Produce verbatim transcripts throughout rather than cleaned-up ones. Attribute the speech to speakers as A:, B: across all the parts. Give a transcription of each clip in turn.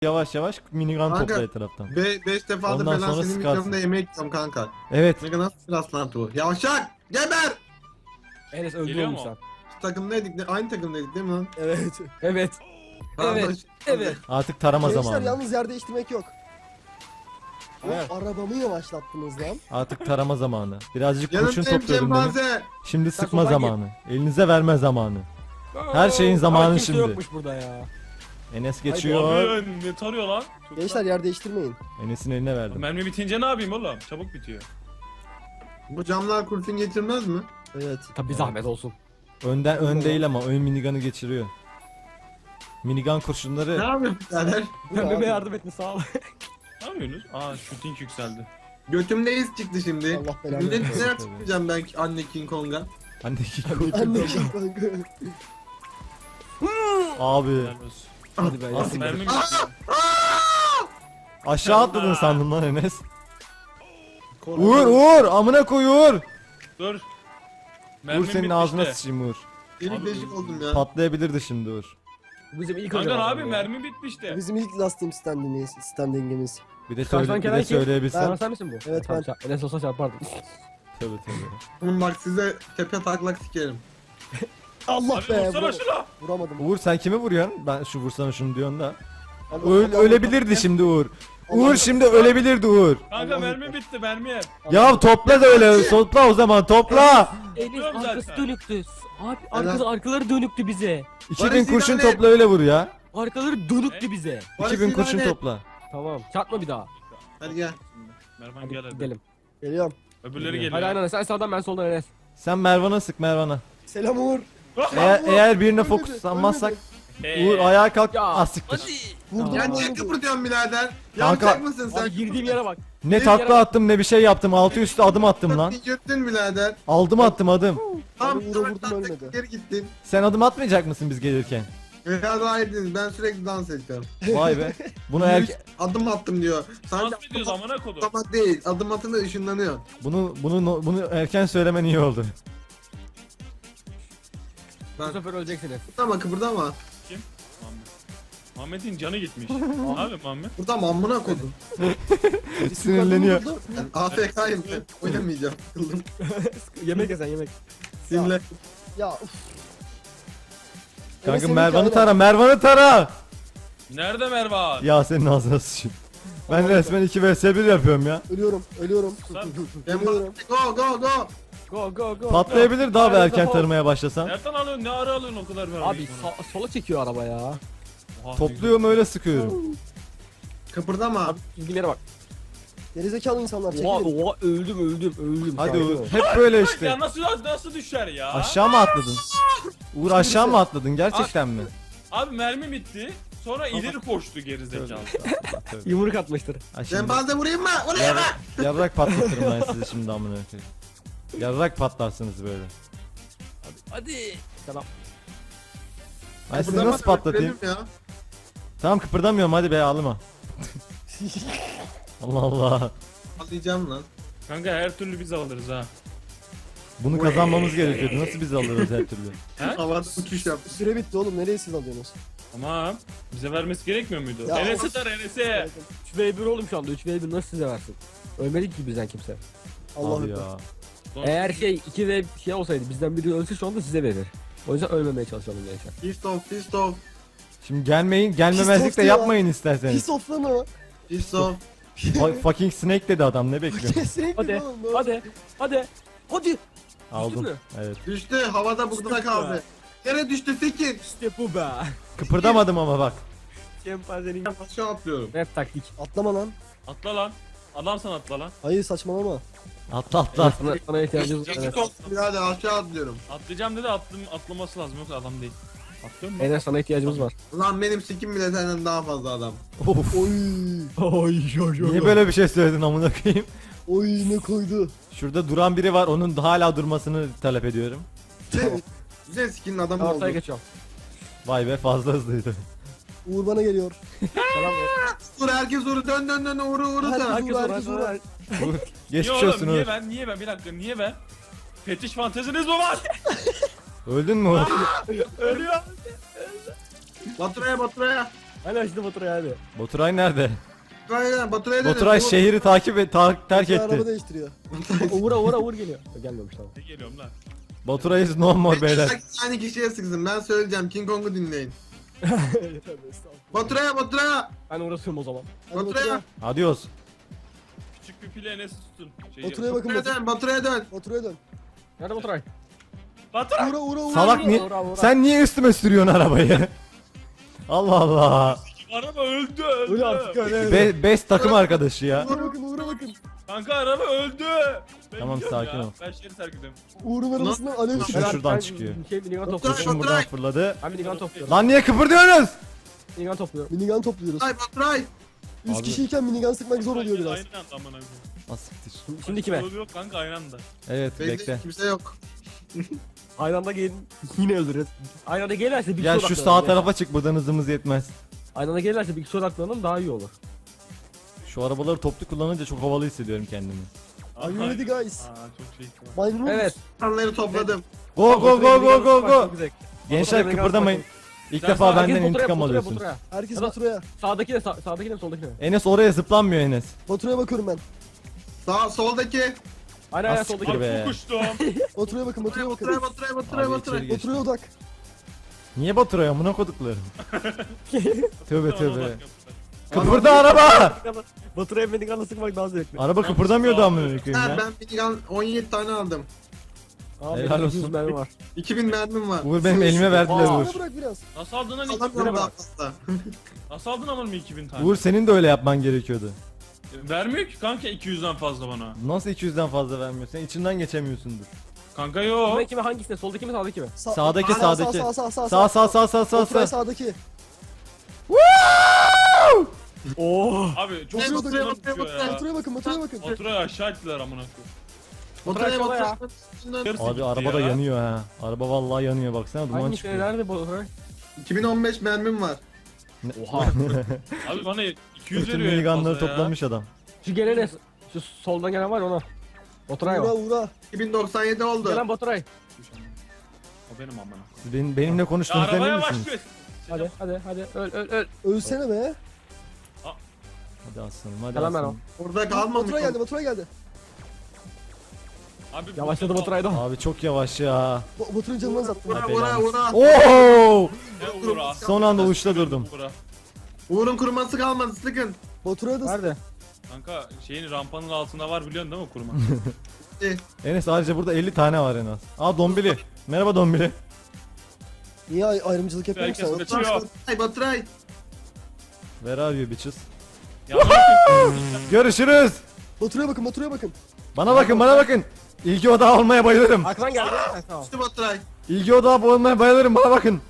A: Yavaş yavaş minigun
B: Kanka,
A: topla etraftan.
B: Be beş defadır
A: Ondan
B: falan
A: sonra
B: senin
A: sıkarsın.
B: mikrofonda yemek yiyorum kanka.
A: Evet.
B: Ne kadar nasıl bir rastlantı bu? Yavşak! Geber!
C: Enes öldü
D: Geliyor
C: oğlum
D: mu?
C: sen.
B: Şu takımdaydık, ne- aynı takımdaydık değil mi lan?
C: Evet. Evet.
B: Pardon,
C: Evet,
B: şimdi-
C: evet.
A: Artık tarama
E: Gençler
A: zamanı.
E: yalnız yer değiştirmek yok.
C: Aynen.
E: O arabamı yavaşlattınız lan.
A: Artık tarama zamanı. Birazcık kurşun
B: Yanındayım
A: topluyordum demin.
B: Cembaze!
A: Şimdi
C: Sen
A: sıkma
C: soldan
A: zamanı. Elinize verme zamanı. Her şeyin zamanı
C: Ama kimse
A: şimdi.
C: yokmuş burada ya.
A: Enes geçiyor.
D: Abi ne tarıyor lan? Çok
E: Gençler yer değiştirmeyin.
A: Enes'in eline
D: güzel.
A: verdim.
D: Mermi bitince ne yapayım oğlum? Çabuk bitiyor.
B: Bu camlar kurşun geçirmez mi?
E: Evet.
C: Tabi zahmet olsun.
A: Önden ön değil ama ön minigun'u geçiriyor. Minigun
B: Ne
A: kurşunları
B: yapıyorsun birader?
E: Bu ne
C: Pembeme
E: abi?
C: yardım etme sağ ol.
D: Ne yapıyorsunuz? Aa shooting yükseldi.
B: Götümde iz çıktı şimdi.
E: Allah belanı
B: Millet
E: versin.
B: neler çıkmayacağım ben anne King Kong'a.
A: Anneki
E: Anne kim kanka?
A: abi
D: Helal olsun.
C: Hadi be
A: Nasıl
C: yardım
D: Mermi
C: et.
D: bitti.
A: aşağı atladın sandım lan Enes. Uğur Uğur amına koy Uğur.
D: Dur.
A: Uğur
D: Mermim
A: senin
D: bitti
A: ağzına
D: işte.
A: sıçayım Uğur.
B: Delik deşik oldum ya.
A: Patlayabilirdi şimdi Uğur.
C: Bizim ilk
D: Kanka
C: hocam
D: abi
C: ya.
D: mermi bitti işte.
E: Bizim ilk last team standingimiz. standingimiz.
A: Bir de
C: Karşıdan
A: söyle bir
C: gelen
A: de
C: kim?
A: söyleyebilsem.
C: Sen, sen misin bu?
E: Evet,
C: Tamam,
E: ben.
C: çarp- Enes olsa çarpardım.
A: Tabii tabii.
B: Oğlum bak size tepe taklak sikerim.
E: Allah
D: Abi
E: be.
D: vursana
E: vur-
D: şuna.
E: Vuramadım.
A: Uğur sen kimi vuruyorsun? Ben şu vursana şunu diyorsun da.
E: Allah-
A: Öl,
E: Allah-
A: ölebilirdi şimdi Uğur.
E: Allah-
A: Uğur şimdi ölebilirdi Uğur.
D: Kanka
E: Allah
D: mermi
E: Allah.
D: bitti mermi.
A: Ya topla da öyle. Topla o zaman topla.
C: Enes
D: Tutuyorum
C: arkası
D: zaten.
C: dönüktü. Abi arkası arkaları dönüktü bize.
A: iki bin
B: Barış
A: kurşun
B: İlhan'e-
A: topla öyle vur ya.
C: Arkaları dönüktü bize.
B: Barış
A: iki bin kurşun
B: İlhan'e-
A: topla.
C: Tamam. Çarpma bir daha.
B: Hadi gel.
D: Mervan
C: Hadi
D: gel hadi.
C: gidelim.
E: Geliyorum.
D: Öbürleri geliyor.
C: Hadi aynen sen sağdan ben soldan Enes.
A: Sen Mervan'a sık Mervan'a.
E: Selam Uğur.
A: Eğer, eğer birine
E: Ölmedi,
A: fokuslanmazsak
D: Ee,
A: Uğur ayağa kalk.
C: Ya,
A: Ah siktir.
E: Vurdum
B: Ya
E: onu.
B: niye kıpırdıyorsun birader?
A: Kanka-
B: Yavşak mısın sen?
C: Abi girdiğim yere bak.
A: Ne takla attım ne bir şey yaptım. Altı üstü adım attım lan.
B: Göttün birader.
A: Aldım attım adım.
B: Tam
E: Uğur'a vurdum, ölmedi.
B: Geri gittin.
A: Sen adım atmayacak mısın biz gelirken?
B: Ya daha ediniz. Ben sürekli dans edeceğim.
A: Vay be. Bunu erke
B: Adım attım diyor. Sadece
D: Nasıl ediyoruz amına kodum?
B: atlamak değil. Adım atınca ışınlanıyor.
A: bunu bunu bunu erken söylemen iyi oldu.
C: Bu
B: Ben
C: sefer öleceksiniz.
B: kıpırdama kıpırdama.
D: Muhammed. Muhammed'in canı gitmiş. Abi Muhammed.
B: Burada amına kodum.
A: Sinirleniyor.
B: Ben A F K'yım ben. Oynamayacağım. Kıldım.
C: Yemek yesen yemek.
B: Simle.
E: Ya uf.
A: Kanka
E: seninki
A: Mervan'ı
E: aynen.
A: tara, Mervan'ı tara.
D: Nerede Mervan?
A: Ya senin ağzına sıçayım. Ben resmen iki vs bir yapıyorum ya.
E: Ölüyorum. Ölüyorum.
D: Sen-
B: Ben
E: Ölüyorum.
B: go go go.
C: Go go go.
A: Patlayabilir daha bir
C: Nerede
A: erken
C: o?
A: tarımaya başlasan.
D: Nereden alıyorsun? Ne ara alıyorsun o kadar mermi?
C: Abi so- sola çekiyor araba ya.
D: Oha,
A: Topluyorum öyle sıkıyorum.
B: Kıpırdama.
C: Abi ilgilere bak.
E: Gerizekalı insanlar
C: Oha
E: çekilin.
C: oha öldüm öldüm öldüm.
A: Hadi
C: Sakin
A: Uğur.
C: ol.
A: Hep böyle
D: Ya
A: işte.
D: nasıl nasıl düşer ya?
A: Aşağı mı atladın? Uğur aşağı mı atladın gerçekten mi?
D: Abi mermi bitti. Sonra ileri koştu gerizekalı.
C: Yumruk atmıştır.
A: Ha şimdi
B: Cembaze vurayım mı? Vurayım mı?
A: yarrak patlatırım ben sizi şimdi amına koyayım. Yarrak patlarsınız böyle.
C: Hadi. Tamam.
A: Ben sizi
B: Kıpırdama
A: nasıl
B: da
A: patlatayım?
B: öldürelim ya.
A: Tamam kıpırdamıyorum hadi be ağlama. Allah Allah.
B: Atlayacağım lan.
D: Kanka her türlü biz alırız ha.
A: Bunu kazanmamız gerekiyordu. Nasıl biz alırız her türlü?
D: He?
B: Havada uçuş yap.
E: Süre bitti oğlum. Nereye siz alıyorsunuz?
D: Tamam. Bize vermesi gerekmiyor muydu?
E: Ya
D: Enes'e
E: orası-
D: tar Enes'e.
C: üç ve bir oğlum şu anda. üç ve bir nasıl size versin? Ölmedik ki bizden kimse.
E: Allah'ım.
A: Abi ya.
C: Eğer şey iki ve şey olsaydı bizden biri ölse şu anda size verir. O yüzden ölmemeye çalışalım gençler.
B: Pist off, pist off,
A: Şimdi gelmeyin, gelmemezlik de
E: ya.
A: yapmayın isterseniz.
E: Pis of lan o.
B: pist off.
A: Fa- fucking snake dedi adam ne bekliyor?
E: Kesinlikle
C: Hadi
E: oğlum. bu.
C: hadi hadi hadi.
A: Aldın.
C: mü?
A: Evet.
B: Düştü, havada burada kaldı. Yere düştü Tekin.
C: İşte bu be.
A: Kıpırdamadım ama bak.
C: Şempanzenin.
B: Ben aşağı atlıyorum.
C: Hep taktik.
E: Atlama lan.
D: Atla lan. Adamsan atla lan.
E: Hayır saçmalama.
A: Atla atla.
C: Sana, sana ihtiyacımız var.
B: Geçik olsun birader aşağı atlıyorum.
D: Atlayacağım dedi atlım, atlaması lazım yoksa adam değil. Atlıyor mu?
C: Enes sana ihtiyacımız var.
B: Lan benim sikim bile senden daha fazla adam.
A: Of.
E: Oy.
C: Oy oy
A: Niye böyle bir şey söyledin amına koyayım?
E: Oy ne koydu.
A: Şurada duran biri var. Onun da hala durmasını talep ediyorum.
B: Güzel, güzel sikinin adamı
C: Tamam
B: oldu.
C: ortaya geçiyorum.
A: Vay be fazla hızlıydı.
E: Uğur bana geliyor.
C: Selam ver.
B: Dur herkes uğru dön dön dön uğru uğru
E: Herkes
B: da.
C: Herkes
E: Uğur,
C: uğraş,
E: herkes
C: uğraş.
E: uğur.
A: Geçmiş
D: Niye oğlum?
A: olsun
D: Niye
A: Uğur.
D: ben? Niye ben? Bir dakika niye ben? Fetiş fanteziniz mi var?
A: Öldün mü Uğur?
D: Ölüyor.
B: Baturaya baturaya.
C: Hadi şimdi Baturay'a hadi.
A: Baturay nerede?
B: Baturay'a Baturay'a dönün.
A: Baturay
B: Uğur-
A: şehri takip et, ta- terk
E: Bir araba
A: etti.
E: değiştiriyor.
C: Uğur'a Uğur'a Uğur geliyor. Gelmemiş tamam.
D: Ne geliyorum lan?
A: Baturay is no more beyler.
B: Aynı kişiye sıksın. Ben söyleyeceğim. King Kong'u dinleyin. Baturay'a Baturay'a.
C: Ben uğraşıyorum o zaman.
E: Hadi
B: Baturay'a.
A: Adios.
D: Küçük bir pile Enes'i tutun. Şey
E: Baturay'a bakın
B: Baturay'a
E: Batur.
B: dön. Baturay'a dön.
E: Baturay'a dön.
C: Nerede Baturay?
D: Baturay!
E: Uğra uğra uğra.
A: Salak
E: uğra.
A: niye?
C: Uğra, uğra.
A: Sen niye üstüme sürüyorsun arabayı? Allah Allah.
D: Araba öldü öldü.
C: Öyle artık öyle.
A: Be best takım arkadaşı ya.
E: Uğra bakın uğra bakın.
D: Kanka araba öldü. Ben
A: Tamam,
D: gidiyorum
A: sakin
D: ya.
A: ol.
D: Ben şehri terk ediyorum.
E: Uğur'un arabasından alev
A: Şu
E: çıkıyor.
A: şuradan
C: Ben
A: çıkıyor.
C: Şey minigun
B: Baturay,
C: topluyorum.
A: Kurşun buradan fırladı.
C: Ben minigun topluyorum.
A: Lan niye kıpırdıyorsunuz?
C: Minigun topluyorum.
E: Minigun topluyoruz.
B: Baturay Baturay.
E: Üç
A: Abi.
E: kişiyken minigun sıkmak zor oluyor biraz.
D: Aynı anda amına koyayım.
A: Asiktir.
C: Şimdi kime?
D: Yolu yok kanka aynı anda.
A: Evet
B: Bekle.
A: bekle.
B: Kimse yok.
C: Aynı anda gelin yine öldürürüz. Aynı anda gelirse bir
A: Gel
C: kişi
A: şu
C: odaklanalım
A: sağ
C: ya.
A: tarafa çık, buradan hızımız yetmez.
C: Aynı anda gelirse bir kişi odaklanalım daha iyi olur.
A: Şu arabaları toplu kullanınca çok havalı hissediyorum kendimi.
E: Are you ready guys?
D: Aa çok şey.
E: Maymun
C: Evet.
B: İnsanları topladım.
A: Go go go go go go.
C: Çok güzel.
A: Gençler
C: Baturay'a
A: kıpırdamayın. İlk
D: Sen
A: defa
D: sağa
A: benden
C: Herkes Baturay'a,
A: intikam
C: Baturay'a,
A: alıyorsunuz.
C: Baturay'a.
E: Herkes
C: Ya da-
E: Baturay'a.
C: Sağdaki de sağ, sağdaki de soldaki de.
A: Enes oraya zıplanmıyor Enes.
E: Baturay'a bakıyorum ben.
B: Sağ soldaki.
C: Aynen aynen
A: Az
C: soldaki
A: siktir
C: de.
A: be.
D: Çok uçtum.
E: Baturay'a bakın Baturay'a
B: Baturay'a
E: bakın.
B: Baturay'a Baturay'a
A: Abi
B: Baturay'a.
A: içeri geç.
E: Baturay'a odak.
A: Niye Baturay amına koduklarım? Tövbe
D: Tamam,
A: tövbe.
D: bak,
A: Kıpırda araba.
C: Baturay'a minigunla sıkmak daha zevkli.
A: Araba kıpırdamıyordu amına koyayım
B: Ha,
A: ya.
B: ben minigun on yedi tane aldım.
C: Abi
A: Helal
C: benim yüz
A: olsun.
C: mermi var.
B: iki bin mermim var.
A: Uğur benim elime verdiler
C: Aa.
A: Uğur.
E: Bana bırak biraz.
D: Nasıl aldın lan iki bin?
B: Alamıyorum daha fazla.
D: Nasıl aldın amına iki bin tane?
A: Uğur senin de öyle yapman gerekiyordu.
D: Vermiyor ki kanka iki yüzden fazla bana.
A: Nasıl iki yüzden fazla vermiyorsun? Sen içinden geçemiyorsundur.
D: Kanka yok.
C: Kime kime hangisine? Soldaki mi sağdaki mi?
E: Sağ-
A: Sağdaki,
E: Sağ,
A: sağdaki.
E: Sağ sağ sağ
A: Sağ sağ sağ sağ sağ
E: Baturay
A: sağ.
E: sağdaki.
C: Oo.
D: Abi çok
B: Ne
D: hızlı
B: Baturay'a,
D: lan
B: Baturay'a,
D: uçuyor ya.
E: Baturay'a bakın Baturay'a bakın.
D: Baturay'ı aşağı ettiler amına koyayım.
B: Baturay'a
C: Bırak
B: Baturay'a.
D: Yarısı
A: Abi
D: gitti
A: araba da
D: ya.
A: yanıyor ha. Araba vallahi yanıyor, baksana duman
C: Hangi
A: çıkıyor.
C: nerede Baturay?
B: iki bin on beş mermim var.
C: Oha.
D: Abi bana iki yüz
A: Bütün
D: veriyor en
A: minigunları
D: fazla ya.
A: toplamış adam.
C: Şu gelene şu soldan gelen var ya ona. Baturay
E: Uğra
C: o.
E: uğra.
B: iki bin doksan yedi oldu.
C: Gelen Baturay.
D: O benim amına.
A: Siz benim, benimle
D: Ya
A: konuştuğunuzda emin
D: arabaya
A: misiniz?
D: başlıyor.
C: Hadi hadi hadi öl öl öl.
E: Ölsene be.
A: Hadi aslanım, hadi
C: Gelen ben o.
A: aslanım.
B: Burada kalmamış.
E: Baturay'a geldi Baturay'a geldi.
D: Abi
C: Yavaşladı Baturay da.
A: Abi çok yavaş ya.
E: Ba- Baturay'ın canını azalttım.
B: Vura vura vura.
A: Oo!
D: Ne uğra.
A: Son anda uçta durdum.
D: Uğra.
B: Uğur'un kuruması kalmadı sıkın.
E: Baturay'a da
C: Nerede?
D: Kanka şeyin rampanın altında var biliyorsun değil mi kurma?
A: Enes ayrıca burada elli tane var en az. Aa Dombili. Merhaba Dombili.
E: niye ay- ayrımcılık yapıyorsun
D: Herkes
E: sen?
D: kaçıyor.
B: Baturay Baturay.
A: Where are you bitches?
D: Ya bakın.
A: Görüşürüz.
E: Baturay'a bakın Baturay'a bakın.
A: Bana bakın, bana bakın. İlgi odağı olmaya bayılırım.
C: Arkadan geldi. Ha, tamam.
B: İşte Baturay.
A: İlgi odağı olmaya bayılırım, bana bakın.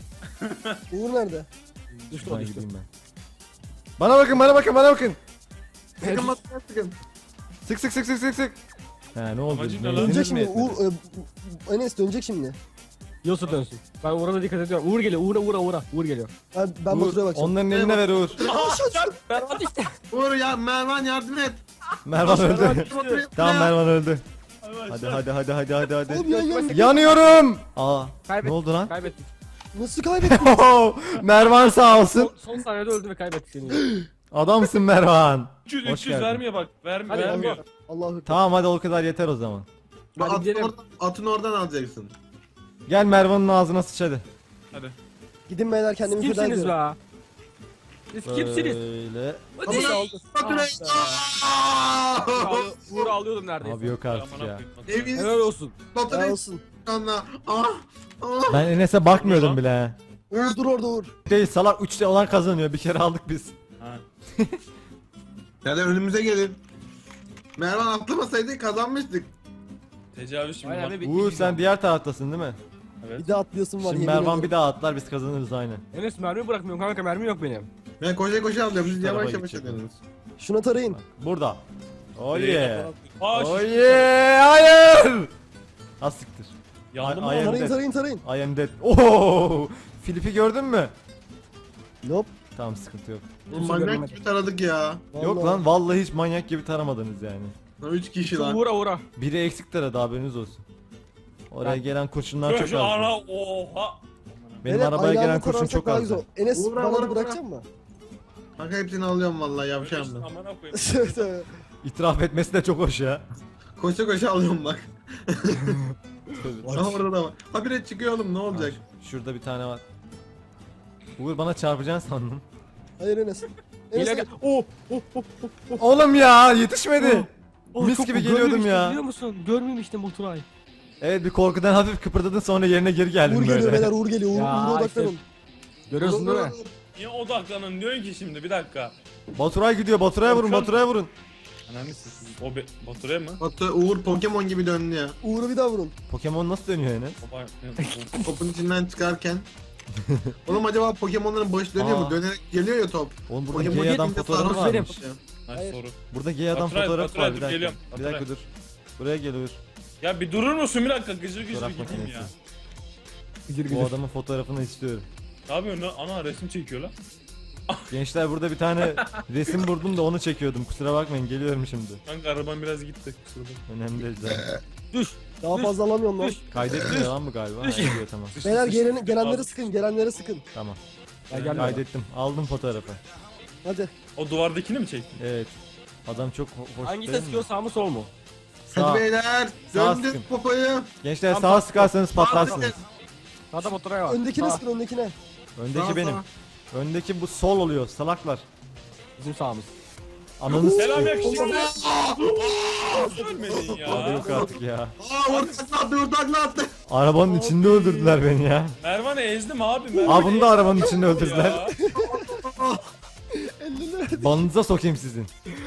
E: Uğur nerede?
C: Düştü o
A: Ben
C: düştü.
A: gideyim ben. Bana bakın, bana bakın, bana bakın.
B: Sıkın Baturay sıkın.
A: Sık sık sık sık sık sık. He ne oldu?
D: Amacın ne lan?
A: Benziniz
E: Dönecek
A: mi
E: şimdi.
A: yetmedi?
E: Uğur, e, Enes dönecek şimdi.
C: Yusuf dönsün. Ben Uğur'a da dikkat ediyorum. Uğur geliyor. Uğur'a Uğur'a Uğur'a. Uğur geliyor.
E: Ben, ben
A: Uğur,
E: Baturay'a bakacağım.
A: onların eline ver Uğur.
C: Ben hadi işte.
B: Uğur ya Mervan yardım et.
A: Mervan öldü.
B: Baturay'a-
A: Tamam Mervan öldü.
D: Hadi
A: Hadi hadi hadi hadi hadi hadi.
E: Oğlum ya ya.
A: Yanıyorum. Aa.
C: Kaybettik.
A: Ne oldu lan?
C: Kaybettik.
E: Nasıl kaybettin?
A: Mervan sağ olsun.
C: Son, son saniyede öldü ve kaybettik seni.
A: Adamsın Mervan.
D: üç yüz
A: Hoş
D: üç yüz
A: geldin.
D: vermiyor bak. Ver,
C: Hadi
D: vermiyor.
E: Allah'ım.
A: Tamam hadi o kadar yeter o zaman.
C: Hadi
B: Atın
C: gidelim.
B: oradan, atın oradan alacaksın.
A: Gel Mervan'ın ağzına sıç hadi.
D: Hadi.
E: Gidin beyler kendimi feda
C: Kimsiniz
E: ediyorum.
C: be? Siz kimsiniz?
A: Böyle.
C: Hadi.
E: Ama aldı.
B: Baturay.
C: Ah be. Uğur'u- Uğur'u alıyordum neredeyse.
A: Abi yok artık
D: Amına
A: ya.
D: koyayım.
B: Emin
C: Helal olsun.
E: Helal
B: Baturay
E: olsun.
B: anla. Ah. Ah.
A: Ben Enes'e bakmıyordum bile he.
E: Uğur dur orada Uğur.
A: Değil salak üçte olan kazanıyor. Bir kere aldık biz.
D: Ha.
B: Ya da önümüze gelin. Mervan atlamasaydı kazanmıştık.
D: Tecavüz şimdi
C: Aynen
D: bak.
C: be,
A: Uğur sen diğer taraftasın değil mi?
D: Evet.
E: Bir de atlayasın var.
A: Şimdi
E: yemin
A: Mervan
E: ederim.
A: bir daha atlar biz kazanırız aynı.
C: Enes mermi bırakmıyorum kanka, mermi yok benim.
B: Ben koşa koşa alıyorum. Siz
A: Şu tarafa
B: yavaş yavaş
A: gidecek
B: ediyorsunuz.
E: Şuna tarayın.
A: Burada. Oh
D: Direkt
A: yeah.
D: yapalım. Aa,
A: Oh
D: şu-
A: yeah. Hayır. Az siktir.
D: Yandım
A: Ay-
D: mı?
A: ay-
E: Tarayın tarayın tarayın.
A: I am dead. Oo! Filip'i gördün mü?
E: Nope.
A: Tamam sıkıntı yok.
B: Oğlum manyak gibi taradık ya.
A: Yok
E: Vallahi.
A: lan vallahi hiç manyak gibi taramadınız yani.
B: Lan üç kişi
C: Şu
B: lan.
C: Uğur'a Uğur'a.
A: Biri eksik taradı haberiniz olsun. Oraya
C: Ben-
A: gelen kurşunlar çok
D: Şu ara
A: az.
D: oha.
A: Benim
E: Beyler,
A: arabaya
E: aynı
A: gelen
E: anda
A: kurşun
E: tararsak
A: çok
E: daha
A: az.
E: güzel. Enes
B: Uğur,
E: bana
B: Uğur,
E: da
B: Uğur.
E: bırakacak mı?
B: Kanka hepsini alıyorum vallahi yavşağım ben.
D: Aman koyayım.
E: Tövbe.
A: İtiraf etmesi de çok hoş ya.
B: Koşa koşa alıyorum bak. Aha orada da var. Habire çıkıyor oğlum ne olacak?
A: Şurada bir tane var. Uğur bana çarpacaksın sandım.
E: Hayır Enes. Enes
C: Gel gel. Oh oh oh oh. oh.
A: Oğlum ya yetişmedi.
C: Oh,
A: Mis
C: çok-
A: gibi geliyordum
C: görmemiştim,
A: ya.
C: Biliyor musun? Görmemiştim Baturay.
A: Evet bir korkudan hafif kıpırdadın sonra yerine geri geldin
E: Uğur geliyor
A: böyle.
E: beyler Uğur geliyor. Uğur,
C: Ya,
E: Uğur'a
C: işte.
E: odaklanın.
C: Görüyorsun değil mi?
D: Niye odaklanın diyorsun ki şimdi bir dakika.
A: Baturay gidiyor Baturay'a vurun
D: Korkan-
A: Baturay'a vurun.
D: Ananı sikeyim. O be Batur'a mı?
B: Batu Uğur Pokemon gibi döndü ya.
E: Uğur'u bir daha vurun.
A: Pokemon nasıl dönüyor Enes?
D: Baba
B: Topun içinden çıkarken. Oğlum acaba Pokemon'ların başı dönüyor
A: Aa.
B: mu? Dönerek geliyor ya top.
A: Oğlum burada
B: Pokemon
A: gay adam
B: gelince
A: fotoğrafı
B: sarhoş
A: varmış.
B: olmuş ya.
D: Nice
E: Hayır.
D: soru.
A: Burada gay adam
D: Baturay,
A: fotoğrafı
D: Baturay,
A: var bir
D: dur,
A: dakika.
D: geliyorum.
A: Bir
D: Baturay.
A: dakika dur. Buraya gel Uğur.
D: Ya bir durur musun bir dakika gıcır gıcır
A: Fotoğraf
D: gideyim
A: makinesi.
D: ya.
C: Gıcır
A: Bu
C: gıcır.
A: adamın fotoğrafını istiyorum.
D: Ne yapıyorsun lan? Ana resim çekiyor lan.
A: Gençler burada bir tane resim buldum da onu çekiyordum. Kusura bakmayın geliyorum şimdi.
D: Kanka araban biraz gitti. kusura bakma.
A: Önemli değil zaten.
C: Düş.
E: Daha
C: Düş.
E: fazla alamıyorum lan.
C: Düş.
A: Kaydetmiyor lan mı galiba? Ha, ediyor tamam.
E: Beyler gelen, gelenleri sıkın, gelenleri sıkın.
A: Tamam.
C: Ya gelme.
A: Kaydettim. Aldım fotoğrafı.
E: Hadi.
D: O duvardakini mi çektin?
A: Evet. Adam çok ho- hoş
C: Hangisi
A: değil mi?
C: sıkıyor sağ mı sol mu?
A: Sağ.
B: Hadi beyler.
A: Sağ
B: Döndün
A: sıkın.
B: popoyu.
A: Gençler
C: Tam
A: sağa
C: sağ-
A: sıkarsanız patlarsınız.
C: Sağda Baturay var.
E: Öndekine
C: Sağ.
E: sıkın, öndekine.
A: Öndeki
B: Sağ,
A: benim.
B: sağ.
A: Öndeki bu sol oluyor salaklar.
C: Bizim sağımız.
A: Ananı
D: Selam
A: s**eyim.
D: yakışıklı. Ölmedin
A: Abi
D: ya.
A: yok artık ya.
B: Aa Uğur takla attı Uğur takla attı.
A: Arabanın içinde öldürdüler beni ya.
D: Mervan'ı ezdim abi. Mervan'ı
A: Aa bunu da
D: ezdim
A: arabanın içinde
D: ya.
A: öldürdüler. Banınıza sokayım sizin.